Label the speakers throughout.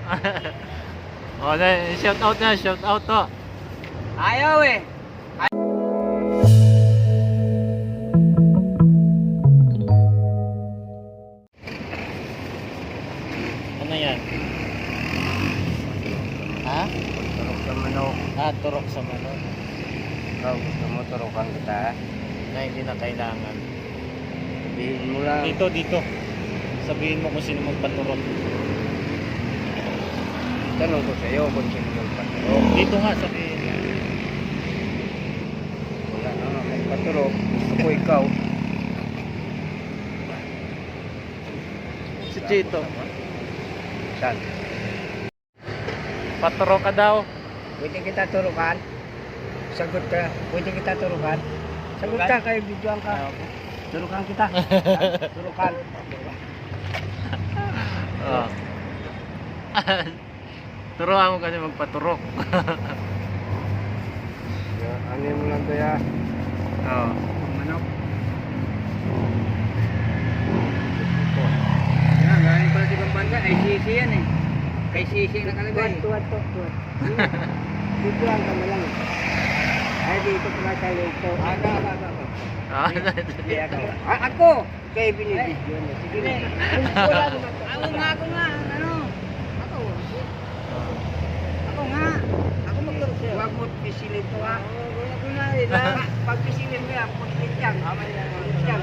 Speaker 1: O, shout out na, shout out to.
Speaker 2: Ayaw eh.
Speaker 1: Ano yan? Ha?
Speaker 2: Turok sa manok.
Speaker 1: Ah, turok sa manok.
Speaker 2: Ikaw gusto mo turokan kita?
Speaker 1: Na hindi na kailangan.
Speaker 2: Sabihin mo lang.
Speaker 1: Dito. Sabihin mo kung sino magpaturok.
Speaker 2: Tanong ko sa'yo kung sino magpaturok.
Speaker 1: Oh, dito nga sabihin.
Speaker 2: Wala na nga magpaturok. Gusto ko ikaw.
Speaker 1: Si Chito.
Speaker 2: Saan?
Speaker 1: Paturok ka daw.
Speaker 2: Pwede kita turukan? Sagot ka. Pwede kita turukan? Sagot ka kayo, videoan ka. Turukan kita. Turukan.
Speaker 1: Oh. Turuan mo kasi magpaturok.
Speaker 2: Ano mo lang kaya?
Speaker 1: Oh.
Speaker 2: Manok. Yan, galing pala sa ibang bansa. Ay, sisi yan eh. Kay sisi nakalagay. Tuwad. Videoan ka mo lang. Ay, dito pala sa lito. Aga.
Speaker 1: Ah,
Speaker 2: Ako! Kaya binibidyo na. Sige na. Ako nga. Ano? Ako nga. Ako magturo sa'yo. Huwag mo pisilin to ha. Ako nga. Pag pisilin mo yan, putit yan. Putit yan.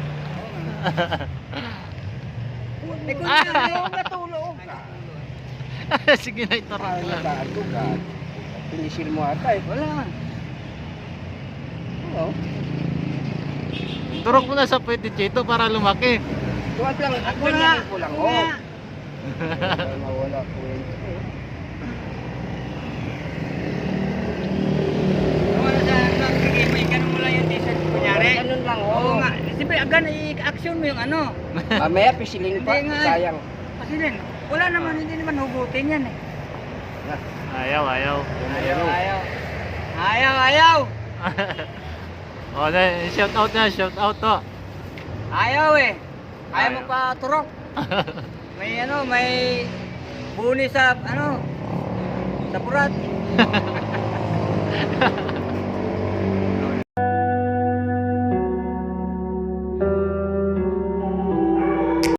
Speaker 2: Eh kung ayaw natulog ka.
Speaker 1: sige na, iturok lang.
Speaker 2: Pinisil mo ata eh. Wala. Oo.
Speaker 1: Turok mo na sa pwede Chito para lumaki.
Speaker 2: Tuwag lang. Ako na. Ako lang. Oo. Nawala ko yun. Wala sa sige mo ganun mo lang yung t-shirt kunyari. Ganun lang. Oo nga. Siyempre agan i-action mo yung ano. Mamaya pisilin pa. Sayang. Pisilin. Wala naman. Hindi naman hugutin yan eh.
Speaker 1: Ayaw.
Speaker 2: Ayaw.
Speaker 1: O, shout out na, shout out to.
Speaker 2: Ayaw eh. Ayaw
Speaker 1: Ayaw.
Speaker 2: mo pa turok. May buni sa sa purat.